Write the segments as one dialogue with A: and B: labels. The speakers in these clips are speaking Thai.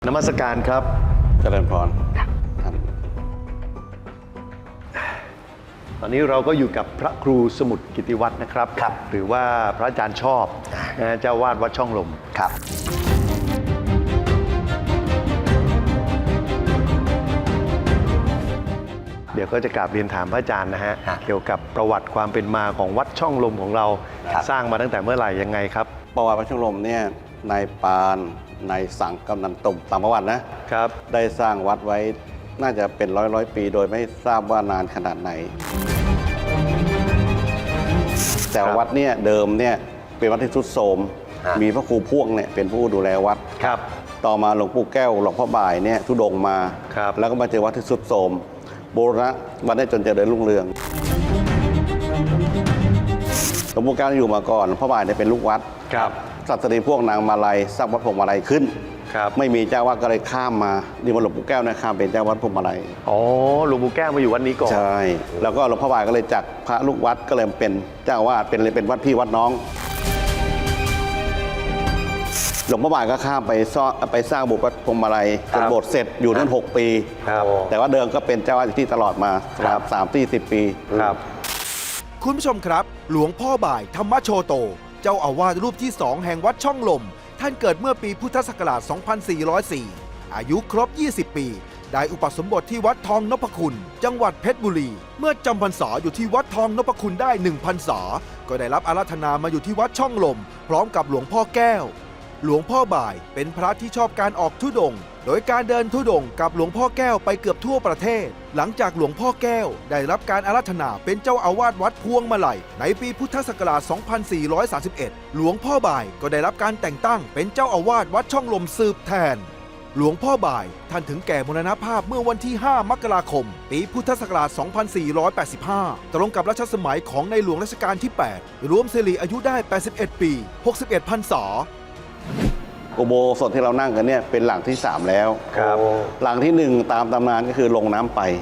A: นมัสการครับ
B: เจริญพร
A: ตอนนี้เราก็อยู่กับพระครูสมุทรกิติวัฒน์นะครับหรือว่าพระอาจารย์ชอบเจ้าวาดวัดช่องลม
C: ครับ
A: เดี๋ยวก็จะกราบเรียนถามพระอาจารย์นะฮะเกี่ยวกับประวัติความเป็นมาของวัดช่องลมของเราสร้างมาตั้งแต่เมื่อไหร่ยังไงครับ
B: ประวัติวัดช่องลมเนี่ยนายปานนายสังกำนันตุ่มตามประวัตินะครับได้สร้างวัดไว้น่าจะเป็นร้อยปีโดยไม่ทราบว่านานขนาดไหนแต่วัดเนี่ยเดิมเนี่ยเป็นวัดที่ทรุดโทรมมีพระครูพ่วงเนี่ยเป็นผู้ดูแลวัด
A: ครับ
B: ต่อมาหลวงปู่แก้วหลวงพ่อบ่ายเนี่ยทุดงมาแล้วก็มาเจอวัดที่ทรุดโทรมโบราณวัดได้จนเจริญรุ่งเรืองหลวงปู่แก้วอยู่มาก่อนหลวงพ่อบ่ายเนี่ยเป็นลูกวัดสัตรีพวกนางมาลัยสร้างวัดพวงมาลัยขึ้นไม่มีเจ้าวัดก็เลยข้ามมานี่มาหลวงปู่แก้วนะข้ามเป็นเจ้าวัดพวงมาลัย
A: อ๋อหลวงปู่แก้วมาอยู่วัดนี้ก่อน
B: ใช่แล้วก็หลวงพ่อบ่ายก็เลยจักพระลูกวัดก็เลยเป็นเจ้าวาดเป็นวัดพี่วัดน้องหลวงพ่อบ่ายก็ข้ามไปสร้างโบสถ์วัดพวงมาลัยจนโบสถ์เสร็จอยู่นั่น6 ปีแต่ว่าเดิมก็เป็นเจ้าวาดที่ตลอดมา30-40 ปี
A: ครับ
D: คุณผู้ชมครับหลวงพ่อบ่ายธรรมโชโตเจ้าอาวาสรูปที่2แห่งวัดช่องลมท่านเกิดเมื่อปีพุทธศักราช 2404 อายุครบ 20 ปี ได้อุปสมบทที่วัดทองนพคุณจังหวัดเพชรบุรี เมื่อจำพรรษาอยู่ที่วัดทองนพคุณได้1 พรรษาก็ได้รับอาราธนามาอยู่ที่วัดช่องลมพร้อมกับหลวงพ่อแก้วหลวงพ่อบ่ายเป็นพระที่ชอบการออกธุดงค์โดยการเดินธุดงค์กับหลวงพ่อแก้วไปเกือบทั่วประเทศหลังจากหลวงพ่อแก้วได้รับการอาราธนาเป็นเจ้าอาวาสวัดพวงมาลัยในปีพุทธศักราช 2431 หลวงพ่อบ่ายก็ได้รับการแต่งตั้งเป็นเจ้าอาวาสวัดช่องลมสืบแทนหลวงพ่อบ่ายท่านถึงแก่มรณภาพเมื่อวันที่ 5 มกราคม ปีพุทธศักราช 2485 ตรงกับรัชสมัยของในหลวงรัชกาลที่ 8 รวมสิริอายุได้ 81 ปี 61 พรรษา
B: อุโบสถที่เรานั่งกันเนี่ยเป็นหลังที่3แล้วหลังที่1ตามตำนานก็คือลงน้ำไป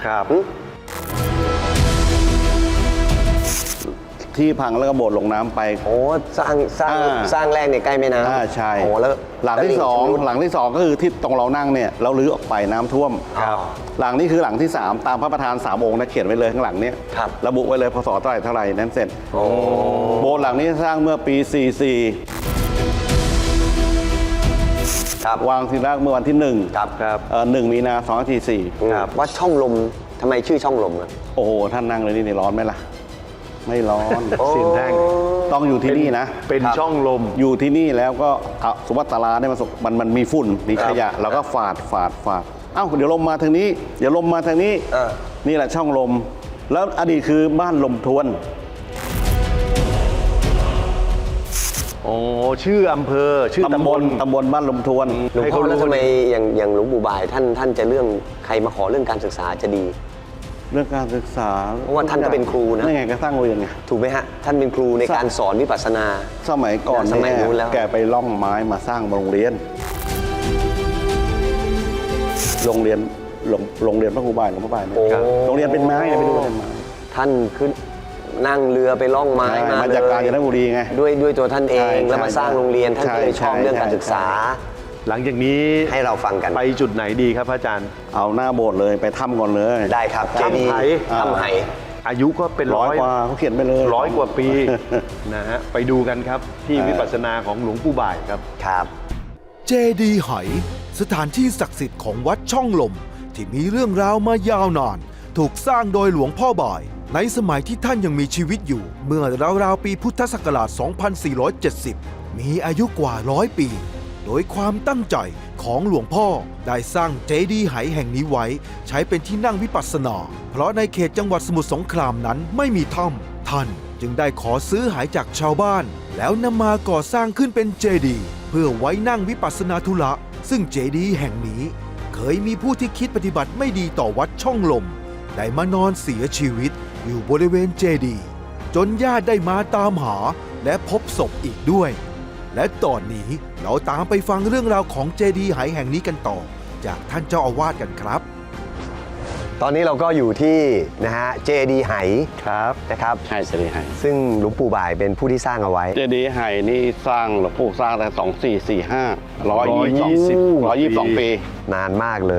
B: ที่พังแล้วก็โบสถ์ลงน้ำไป
C: โอ้สร้างแรกเนี่ยใกล้แม่น้ำ
B: ใช่
C: โอ้แล้ว
B: หลังที่2ก็คือที่ตรงเรานั่งเนี่ยเราลื้อออกไปน้ำท่วมหลังนี้คือหลังที่3ตามพระประธาน3 องค์นะเขียนไว้เลยข้างหลังเนี่ยระบุไว้เลยพศเท่าไหร่นั้นเสร็จโบสถ์หลังนี้สร้างเมื่อปี 44วางทีแรกเมื่อวันที่1 มีนา 2544
C: วัดช่องลมทำไมชื่อช่องลม
B: โอ้โหท่านนั่งเลยนี่ร้อนไหมล่ะไม่ร้อน
A: เสียนแท่ง
B: ต้องอยู่ที่นี่นะ
A: เป็นช่องลม
B: อยู่ที่นี่แล้วก็สุวัตตาราเนี่ยมันมีฝุ่นมีขยะเราก็ฝาดเอ้าเดี๋ยวลมมาทางนี้เดี๋ยวลมมาทางนี้นี่แหละช่องลมแล้วอดีตคือบ้านลมทวน
A: โอ้ชื่ออำเภอชื่อตำบล
B: บ้านลมทวน
C: หลวงพ่อแล้วทำไมอย่างหลวงปู่บ่ายท่านจะเรื่องใครมาขอเรื่องการศึกษาจะดี
B: เรื่องการศึกษา
C: เพราะว่าท่านก็เป็นครูนะ
B: นี่ไงก็สร้างโรงเรียนไง
C: ถูกไหมฮะท่านเป็นครูในการสอนวิปัสสนา
B: สมัยก่อนเนี่ยแกไปล่องไม้มาสร้างโรงเรียนพระครูบ่ายหลวงพ่อบ่ายโรงเรียนเป็นไม้ไปดูเป็นไม้
C: ท่านขึ้นนั่งเรือไปล่องไม้
B: มาจากกาญจนบุรีไง
C: ด้วยตัวท่านเองแล้วมาสร้างโรงเรียนท่านก็เลยชอบเรื่องการศึกษา
A: หลังจากนี้
C: ให้เราฟังกัน
A: ไปจุดไหนดีครับพระอาจารย์
B: เอาหน้าโบสถ์เลยไปถ้ำก่อนเลย
C: ได้ครับเจดีย์ถ้ำไห
A: อายุก็เป็น
B: 100 กว่าเขาเขียนไปเลย
A: 100 กว่าปีนะฮะไปดูกันครับที่วิปัสสนาของหลวงปู่บ่าย
C: ครับ
D: เจดีย์ไหสถานที่ศักดิ์สิทธิ์ของวัดช่องลมที่มีเรื่องราวมายาวนานถูกสร้างโดยหลวงพ่อบ่ายในสมัยที่ท่านยังมีชีวิตอยู่เมื่อราวๆปีพุทธศักราช 2470 มีอายุกว่า100 ปีโดยความตั้งใจของหลวงพ่อได้สร้างเจดีย์ไหแห่งนี้ไว้ใช้เป็นที่นั่งวิปัสสนาเพราะในเขตจังหวัดสมุทรสงครามนั้นไม่มีถ้ำท่านจึงได้ขอซื้อไหจากชาวบ้านแล้วนำมาก่อสร้างขึ้นเป็นเจดีย์เพื่อไว้นั่งวิปัสสนาธุระซึ่งเจดีย์แห่งนี้เคยมีผู้ที่คิดปฏิบัติไม่ดีต่อวัดช่องลมได้มานอนเสียชีวิตอยู่บริเวณเจดีย์จนญาติได้มาตามหาและพบศพอีกด้วยและตอนนี้เราตามไปฟังเรื่องราวของเจดีย์ไหแห่งนี้กันต่อจากท่านเจ้าอาวาสกันครับ
C: ตอนนี้เราก็อยู่ที่นะฮะเจดีย์ไห
A: ครับ
C: นะครับ
B: ใช่เจดีย์ไห่
C: ซึ่งหลวงปู่บ่ายเป็นผู้ที่สร้างเอาไว้
B: เจดีย์ไห่นี่สร้างหลวงปู่สร้างตั้ง2445 122 ปี
C: นานมากเลย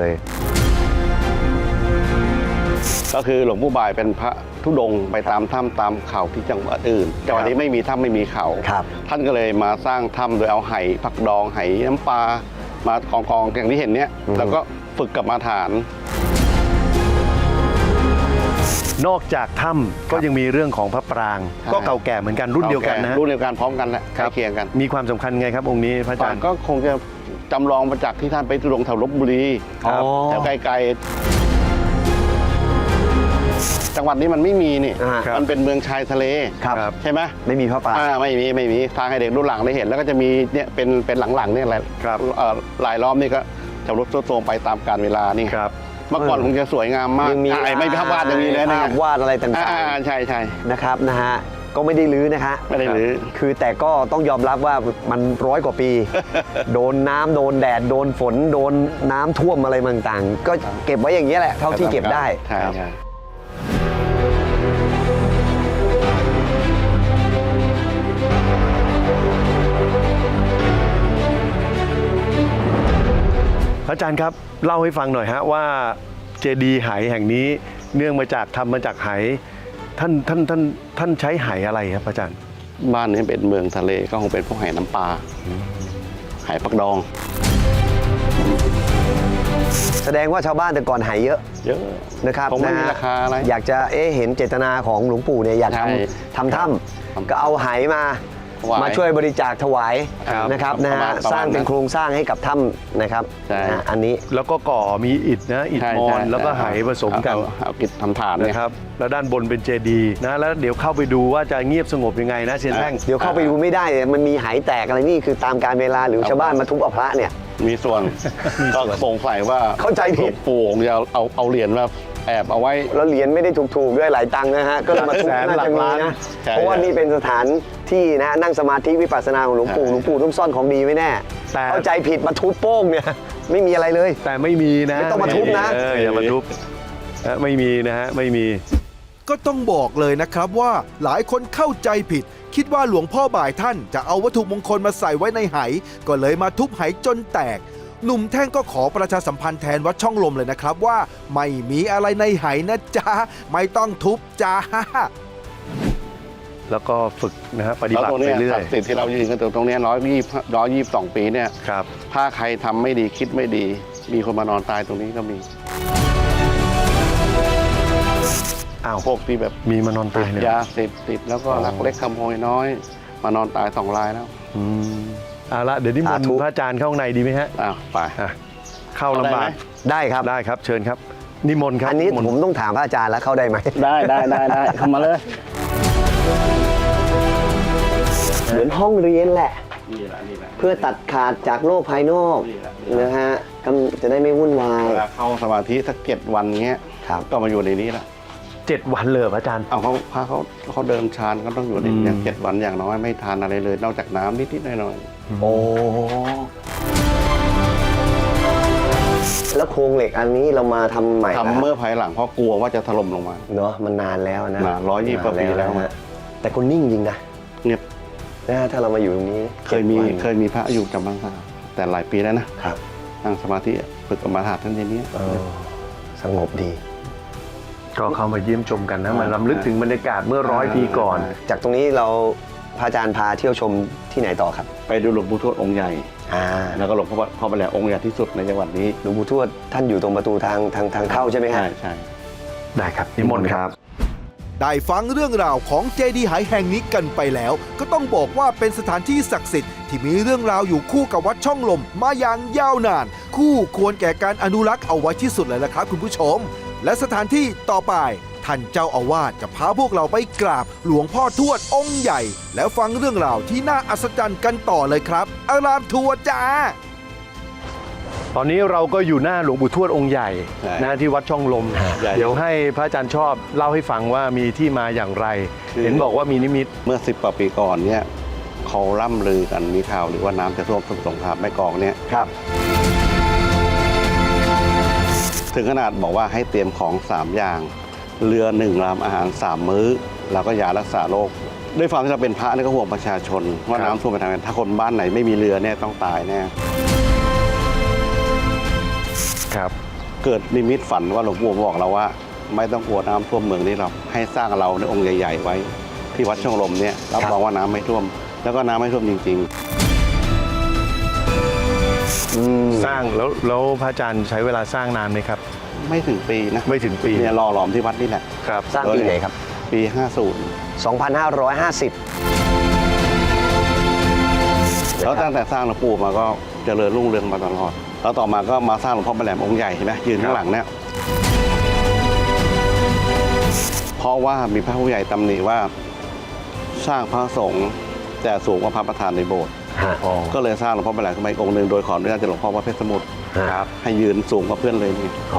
B: ก็คือหลวงปู่บ่ายเป็นพระธุดงค์ไปตามถ้ำตามเขาที่จังหวัดอื่นจังหวัดนี้ไม่มีถ้ำไม่มีเขา
C: ครับ
B: ท่านก็เลยมาสร้างถ้ำโดยเอาไหผักดองไหน้ำปลามากองอย่างที่เห็นเนี้ยแล้วก็ฝึกกรรมาฐาน
A: นอกจากถ้ำก็ยังมีเรื่องของพระปราง
B: ใช่
A: ก็เก่าแก่เหมือนกันรุ่นเดียวกันนะฮะ
B: รุ่นเดียวกันพร้อมกันแหละใกล้เคียงกัน
A: มีความสำคัญไงครับองค์นี้พระอาจารย์
B: ก็คงจะจำลองมาจากที่ท่านไปธุดงค์แถวลพบุรี
A: ครับ
B: แถวไกลๆจังหวัดนี้มันไม่มีนี่
A: ครับ
B: มันเป็นเมืองชายทะเล
C: ครับ
B: ใช่ไหม
C: ไม่มีพระปราง
B: ไม่มีทางให้เด็กรุ่นหลังได้เห็น แล้วก็จะมีเนี่ยเป็นหลังๆเนี่ยแหละ
A: ครับ
B: ลายล้อมนี่ก็จะลดโทรมไปตามกาลเวลานี่
A: ครับ
B: เมื่อก่อนคงจะสวยงามมาก
C: ยังมี
B: ไม่มีภาพวาดยังมีเลยนะ
C: ภาพวาดอะไรต่าง
B: ใช่
C: ๆนะครับนะฮะก็ไม่ได้ลื้อนะฮะ
B: ไม่ได้ลื้อ
C: คือแต่ก็ต้องยอมรับว่ามัน100 กว่าปี โดนน้ำโดนแดดโดนฝนโดนน้ำท่วมอะไรต่างๆ ก็เก็บไว้อย่างนี้ยแหละเท่าที่เก็บได้
B: ใช่ใช่
A: พระอาจารย์ครับเล่าให้ฟังหน่อยฮะว่าเจดีย์ไหแห่งนี้เนื่องมาจากทำมาจากไหท่านใช้ไหอะไรครับพระอาจารย์
B: บ้านนี้เป็นเมืองทะเลก็คงเป็นพวกไหน้ำปลาไหปักดอง
C: แสดงว่าชาวบ้านแต่ก่อนหายเยอะ
B: เยอะ
C: นะครับ
B: คงไม่มี
C: นะฮะ
B: ราคาอะไร
C: อยากจะเห็นเจตนาของหลวงปู่เนี่ยอยาก
B: ใช่
C: ทำถ้
B: ครับ
C: ำก็เอาไหมา
B: ถวาย
C: มาช่วยบริจาคถวาย
B: ครับ
C: นะครับนะ
B: ประมา
C: ฮะ
B: ณประมาณ
C: สร้างเป็น
B: นั้น
C: โครงสร้างให้กับถ้ำนะครับ
B: ใช่
C: นะฮะอันนี้
A: แล้วก็ก่อมีอิฐนะอิฐ
B: ใช่
A: มอ
B: ใช่
A: ญแล้วก็ไหผสมกัน
B: เอากิจทำฐานเนี่ย
A: นะครับแล้วด้านบนเป็นเจดีย์นะแล้วเดี๋ยวเข้าไปดูว่าจะเงียบสงบยังไงนะเชียนแท่ง
C: เดี๋ยวเข้าไปดูไม่ได้มันมีไหแตกอะไรนี่คือตามการเวลาหรือชาวบ้านมาทุบเอาพระเนี่ย
B: มีส่วนก็สงสัยว่า
C: เข้าใจผิด
B: หลวงปู่คงจะเอาเหรียญมาแอบเอาไว้
C: แล้วเหรียญไม่ได้ถูกๆด้วยหลายตังค์นะฮะก็เลยมาทุบ
A: แสน
C: น่า
A: หลั
C: จะ
A: ก
C: มี
A: ล้าน
C: นะ
B: ใช่
C: เพราะว่านี่เป็นสถานที่นะนั่งสมาธิวิปัสสนาของหลวงปู่
B: ใช่
C: หลวงปู่ต้องซ่อนของดีไว้แน่
A: แต่
C: เข้าใจผิดมาทุบโป้งเนี่ยไม่มีอะไรเลย
A: แต่ไม่มีนะ
C: ไม่ต้องมาทุบนะ
A: อย่ามาทุบไม่มีนะฮะไม่มี
D: ก็ต้องบอกเลยนะครับว่าหลายคนเข้าใจผิด คิดว่าหลวงพ่อบ่ายท่านจะเอาวัตถุมงคลมาใส่ไว้ในไหก็เลยมาทุบไหจนแตก หนุ่มแท่งก็ขอประชาสัมพันธ์แทนวัดช่องลมเลยนะครับว่าไม่มีอะไรในไหนะจ๊ะไม่ต้องทุบจ้า
A: แล้วก็ฝึกนะฮะปฏิ
B: แล้ว
A: บัติ
B: ตรง
A: ไป
B: เนี้ย
A: เรื่อ
B: ศั
A: ย
B: กดิ์สิทธิ์ที่เรายืนกันตรงเนี้122 ปีเนี่ย
A: ครับ
B: ถ้าใครทำไม่ดีคิดไม่ดี มีคนมานอนตายตรงนี้ก็มี
A: อ้าว
B: พวกที่แบบ
A: มีมานอนตายเนี่ย
B: ยาเสพติดแล้วก็ลักเล็กขโมยน้อย มานอนตาย2 รายแล้ว
A: อืมเอาละเดี๋ยวนิมน
C: สาธุ
A: ต์พระอาจารย์เข้าข้างในดีไหมฮะ
B: อ้าวไป
A: อ่ะเข้าลำบาก
C: ได้ครับ
A: ได้ครับเชิญครับ นิมนต์ครับ
C: อันนี้
A: มนต์
C: ผมต้องถามพระอาจารย์แล้วเข้าได้ไหม
B: ได้เข้ามาเลย
C: เหมือนห้องเรียนแหละ
B: นี่แหละ
C: เพื่อตัดขาดจากโลกภายนอกนะฮะก็จะได้ไม่วุ่นวาย
B: เวลาเข้าสมาธิสัก7 วันเงี้ย
C: ครับ
B: ก็มาอยู่ในนี้แหละ
A: 7 วันเลยเหรอพระอาจารย์
B: เอาพระเขาเดินฌานก็ต้องอยู่ในนี้7 วันอย่างน้อยไม่ทานอะไรเลย นอกจากน้ำนิดๆหน่อย
C: โอ้แล้วโครงเหล็กอันนี้เรามาทำใหม่
B: ๆทำเมื่อภายหลังเพราะกลัวว่าจะถล่มลงมา
C: เนาะมันนานแล้วนะ
B: นาน120 กว่าปีแล้ว
C: นะฮะแต่คนนิ่งจริงนะ
B: เงียบ
C: นะฮะถ้าเรามาอยู่ตรงนี้
B: เคยมี
C: 7 วัน
B: เคยมีพระอยู่จำบ้างแต่หลายปีแล้วนะครับ นั่งสมาธิฝึกกรรมฐานท่านอย่างนี้
C: เออสงบดี
A: ก็เข้ามาเยี่ยมชมกันนะมาลำลึกถึงบรรยากาศเมื่อ100 ปีก่อน
C: จากตรงนี้เราพระอาจารย์พาเที่ยวชมที่ไหนต่อครับ
B: ไปดูหลวงปู่ทวดองค์ใหญ่ แล้วก็หลวงพ่อไปแหลองค์ใหญ่ที่สุดในจังหวัดนี้
C: หลวงปู่ทวดท่านอยู่ตรงประตูทางเข้าใช่ไหมฮะ
B: ใช่
A: ได้ครับนิมนต์ครับ
D: ได้ฟังเรื่องราวของเจดีย์ไหแห่งนี้กันไปแล้ว ก็ต้องบอกว่าเป็นสถานที่ศักดิ์สิทธิ์ที่มีเรื่องราวอยู่คู่กับวัดช่องลมมาอย่างยาวนาน คู่ควรแก่การอนุรักษ์เอาไว้ที่สุดเลยละครับคุณผู้ชม และสถานที่ต่อไปท่านเจ้าอาวาสจะพาพวกเราไปกราบหลวงพ่อทวดองค์ใหญ่ แล้วฟังเรื่องราวที่น่าอัศจรรย์กันต่อเลยครับอารามทัวร์จ้า
A: ตอนนี้เราก็อยู่หน้าหลวงปู่ทวดองค์ใหญ่
B: ใช่
A: นะที่วัดช่องลม
B: ใหญ่
A: เดี๋ยวให้พระอาจารย์ชอบเล่าให้ฟังว่ามีที่มาอย่างไร เห็นบอกว่ามีนิมิต
B: เมื่อ10 กว่าปีก่อนเนี่ยเขาร่ำลือกันมีข่าวหรือว่าน้ำจะท่วมสมุทรสงครามแม่กลองเนี่ย
C: ครับ
B: ถึงขนาดบอกว่าให้เตรียมของ 3 อย่าง เรือ1 ลำอาหาร 3 มื้อ แล้วก็ยารักษาโรคด้วยความที่เราเป็นพระนี่ก็ห่วงประชาชนว่าน้ำท่วมไปทางไหนถ้าคนบ้านไหนไม่มีเรือเนี่ยต้องตายแน่
A: ครับ
B: เกิดนิมิตฝันว่าหลวงปู่บอกเราว่า ไม่ต้องกลัวน้ำท่วมเมืองนี้หรอกให้สร้างเราในองค์ใหญ่ๆไว้ที่วัดช่องลมเนี่ยรับรองว่าน้ำไม่ท่วม แล้วก็น้ำไม่ท่วมจริง
A: สร้างแล้วพระอาจารย์ใช้เวลาสร้างนานไหมครับ
B: ๆ ไม่ถึงปีนะ
A: ไม่ถึงปี
B: เนี่ยหล่อหลอมที่วัดนี่แหละ
A: ครับ
C: สร้างปีไหนครับ
B: ปี 50
C: 2550
B: แล้วตั้งแต่สร้างหลวงปู่มาก็เจริญรุ่งเรืองมาตลอดแล้วต่อมาก็มาสร้างหลวงพ่อแหลมองค์ใหญ่ใช่ไหมยืนข้างหลังเนี่ยเพราะว่ามีพระผู้ใหญ่ตำหนิว่าสร้างพระสงฆ์แต่สูงกว่าพระประธานในโบสถ์
A: อ๋อ
B: ก็เลยสร้างหลวงพ่อแหลมขึ้นมาอีกองค์หนึ่งโดยขออนุญาตจากหลวงพ่อวัดเพชรสมุทร
A: ครับ
B: ให้ยืนสูงกว่าเพื่อนเลยนี่
C: โอ้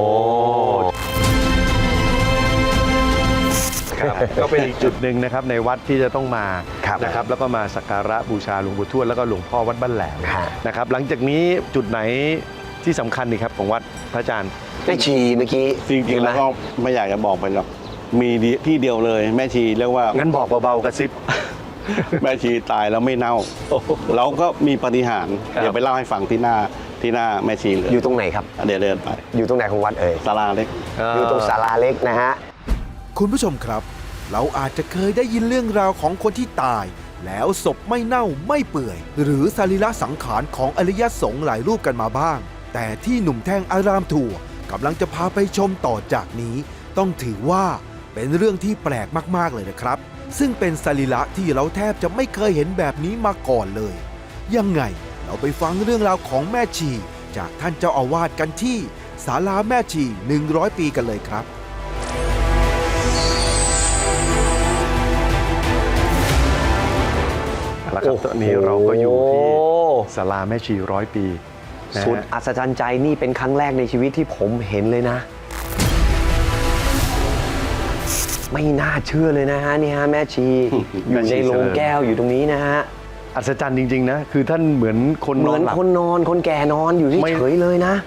A: ครับ ก็เป็นอีกจุดหนึ่งนะครับในวัดที่จะต้องมา
C: ครับ
A: นะครับแล้วก็มาสักการะบูชาหลวงปู่ทวดแล้วก็หลวงพ่อวัดบ้านแหลม
C: ฮะ
A: นะครับหลังจากนี้จุดไหนที่สำคัญนี่ครับของวัดพระอาจารย์
C: แม่ชีเมื่อกี้
B: จริงๆแล้วก็ไม่อยากจะบอกไปหรอกมีที่เดียวเลยแม่ชีเรียกว่า
A: งั้นบอกเบาๆกระซิบ
B: แม่ชีตายแล้วไม่เน่าเราก็มีปาฏิหาริย์
A: ครับ
B: เดี๋ยวไปเล่าให้ฟังที่หน้าแม่ชีเลย
C: อยู่ตรงไหนครับ
B: เดี๋ยวเดินไป
C: อยู่ตรงไหนของวัดเอ่ย
B: ศาลาเล็ก
C: อยู่ตรงศาลาเล็กนะฮะ
D: คุณผู้ชมครับ เราอาจจะเคยได้ยินเรื่องราวของคนที่ตาย แล้วศพไม่เน่าไม่เปื่อย หรือสรีระสังขารของอริยสงฆ์หลายรูปกันมาบ้าง แต่ที่หนุ่มแท่งอารามทัวร์กำลังจะพาไปชมต่อจากนี้ ต้องถือว่าเป็นเรื่องที่แปลกมากๆเลยนะครับ ซึ่งเป็นสรีระที่เราแทบจะไม่เคยเห็นแบบนี้มาก่อนเลย ยังไงเราไปฟังเรื่องราวของแม่ชี จากท่านเจ้าอาวาสกันที่ศาลาแม่ชี 100 ปีกันเลยครับ
A: แล้วครับตอนนี้เราก็อยู่ที่ศาลาแม่ชี100 ปีนะฮะ
C: สุดอัศจรรย์ใจนี่เป็นครั้งแรกในชีวิตที่ผมเห็นเลยนะ ไม่น่าเชื่อเลยนะฮะนี่ฮะแม่ชี อยู่ในโรงแก้วอยู่ตรงนี้นะฮะ
A: อัศจรรย์จริงๆนะคือท่านเหมือนคน
C: เห
A: น
C: มื
A: อ
C: อน น
A: หลับ
C: คนนอนคนแก่นอนอยู่
A: ไม่
C: เฉยๆเลยนะ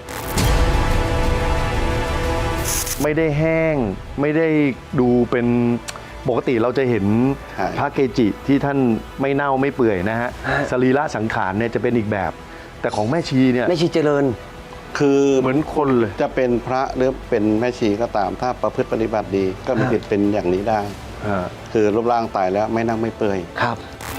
A: ไม่ได้แห้งไม่ได้ดูเป็นปกติเราจะเห็น
B: ใช่
A: พระเกจิที่ท่านไม่เน่าไม่เปื่อยนะฮะ
C: ฮะ
A: สรีระสังขารเนี่ยจะเป็นอีกแบบ แต่ของแม่ชีเนี่ย
C: แม่ชีเจริญ
B: คือ
A: เหมือนคนเลย
B: จะเป็นพระหรือเป็นแม่ชีก็ตาม ถ้าประพฤติปฏิบัติดี ก็มีสิทธิ์เป็นอย่างนี้ได้ คือรูปร่างตายแล้วไม่นั่งไม่เปื่อย
C: ครับ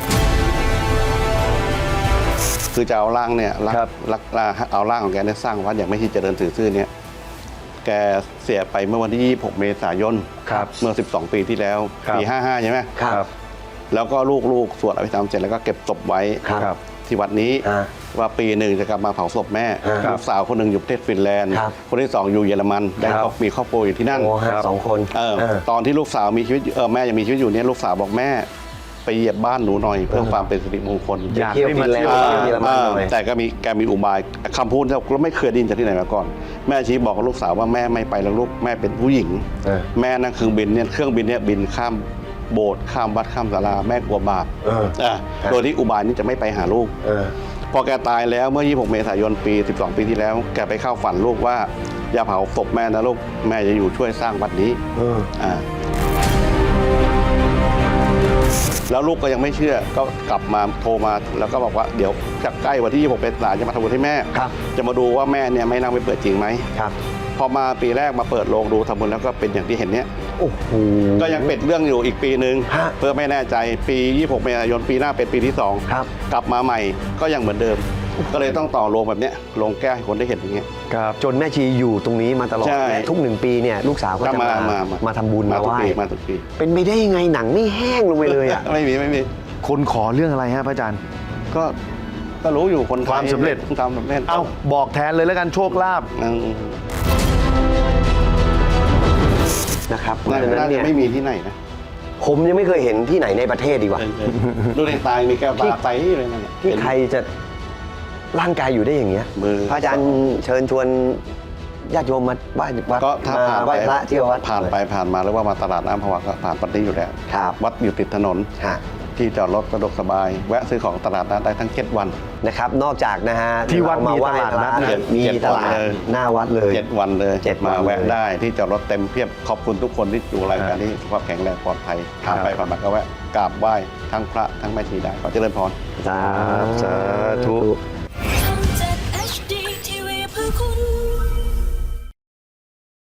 B: คือจะเอาร่างเนี่ย
A: ครับ
B: เอาร่างของแกเนี่ยสร้างวัดอย่างไม่ชีเจริญถือซื่อเนี่ยแกเสียไปเมื่อวันที่ 26 เมษายน
A: ครับ
B: เมื่อ 12 ปีที่แล้ว
A: ครับ
B: ปี 55 ใช่ไหม
C: ครับ
B: แล้วก็ลูกๆสวดอภิธรรมเสร็จแล้วก็เก็บศพไว้
C: ครับ
B: ที่วัดนี้
C: อ่า
B: ว่าปีหนึ่งจะกลับมาเผาศพแม่
C: ครับ
B: ลูกสาวคนหนึ่งอยู่ประเทศฟินแลนด์
C: ครับ
B: คนที่สองอยู่เยอรมันได้
A: ครับ
B: มีครอบครัวอยู่ที่นั่น
C: โอ้ฮะ
A: ครับ
C: สองคน
B: ตอนที่ลูกสาวมีชีวิตแม่ยังมีชีวิตอยู่เนี่ยลูกสาวบอกแม่ไปเหยียบบ้านหนูหน่อยเพื่อความเป็นสิริมงคล
A: อยาก
C: เที่ยว
A: ให้
C: ฟิ
A: มาน
C: แลนด์
A: เที่ยว
C: เที่ยวเยอรมันหน่อย
B: แต่แกมีอุบายคำพูดที่เราไม่เคยได้ยินจากที่ไหนมาก่อน แม่ชี้บอกกับลูกสาวว่าแม่ไม่ไปแล้วลูกแม่เป็นผู้หญิง แม่นั่งเครื่องบินเนี่ยบินข้ามโบสถ์ข้ามวัดข้ามศาลาแม่กลัวบาปโดยที่อุบายนี้จะไม่ไปหาลูก พอแกตายแล้วเมื่อ 26 เมษายนปี 12 ปีที่แล้ว แกไปเข้าฝันลูกว่าอย่าเผาศพแม่นะลูกแม่จะอยู่ช่วยสร้างวัดนี้แล้วลูกก็ยังไม่เชื่อก็กลับมาโทรมาแล้วก็บอกว่าเดี๋ยวใกล้วันที่ 26 เมษายนจะมาทำบุญให้แม่
C: ครับ
B: จะมาดูว่าแม่เนี่ยไม่นั่งไม่เปิดจริงไหม
C: ครับ
B: พอมาปีแรกมาเปิดโรงดูทำบุญแล้วก็เป็นอย่างที่เห็นเนี้ย
C: โอ้โห
B: ก็ยังเป็นเรื่องอยู่อีกปีหนึ่ง
C: ฮะ
B: เพื่อไม่แน่ใจปี 26 เมษายนปีหน้าเป็นปีที่ 2
C: ครับ
B: กลับมาใหม่ก็ยังเหมือนเดิม ก็เลยต้องต่อโรงแบบเนี้ยโรงแก้วให้คนได้เห็นอย่างเงี้ย
A: ครับ
C: จนแม่ชีอยู่ตรงนี้มาตลอด
B: ใช่
C: และทุก1 ปีเนี่ยลูกสาวก็
B: ก็
C: จะมาทำบุญมา
B: ทุ
C: ไห
B: ก
C: ว้
B: ปีมาทุกปี
C: เป็นไปได้ยังไงหนังไม่แห้งลงไปเลยอ่ะ
B: ไม่มี
A: คนขอเรื่องอะไรฮะพระอาจารย์
B: ก็รู้อยู่คนไทย
A: ความสำเร็จ
B: ความสำเร็จ
A: เอ้าบอกแทนเลยแล้วกันโชคลาภ
C: นะครับเพราะ
B: น่า
C: ฉะนั้น
B: จะ
C: เนี่ย
B: ไม่มีที่ไหนนะ
C: ผมยังไม่เคยเห็นที่ไหนในประเทศดีกว่า
B: ดูในตายมีแก้วตาไตเลยนั่นแหละ
C: ที่ใครจะร่างกายอยู่ได้อย่างเงี้ย
B: มือ
C: พระอาจารย์เชิญชวนญาติโยมมาไหว้วัด
B: ก็ถ้าผ่าน
C: ไหว้พระที่วัด
B: ผ่านไปผ่านมาหรือว่ามาตลาดน้ำภวะก็ผ่านปัตติอยู่แล้ว
C: ครับ
B: วัดอยู่ติดถนน
C: ฮะ
B: ที่จอดรถสะดวกสบาย แวะซื้อของตลาดนัดได้ทั้ง7 วัน
C: นะครับนอกจากนะฮะ
A: ที่วัด
C: เร
A: มี
C: ไหว้
A: ตลาดนัด
C: พระ
B: มี
C: มีตลาด
B: 7 วันเลย
C: หน้าวัดเลย
B: 7 วันเลย
C: 7
B: มาแวะ
C: วันเลย
B: ได้ที่จอดรถเต็มเพียบขอบคุณทุกคนที่อยู่รายการนี้สุขภาพแข็งแรงปลอดภัยผ่านไปผ่านมาก็แวะกราบไหว้ทั้งพระทั้งแม่ชีได้ขอเจริญพร
C: สา
A: สาธุ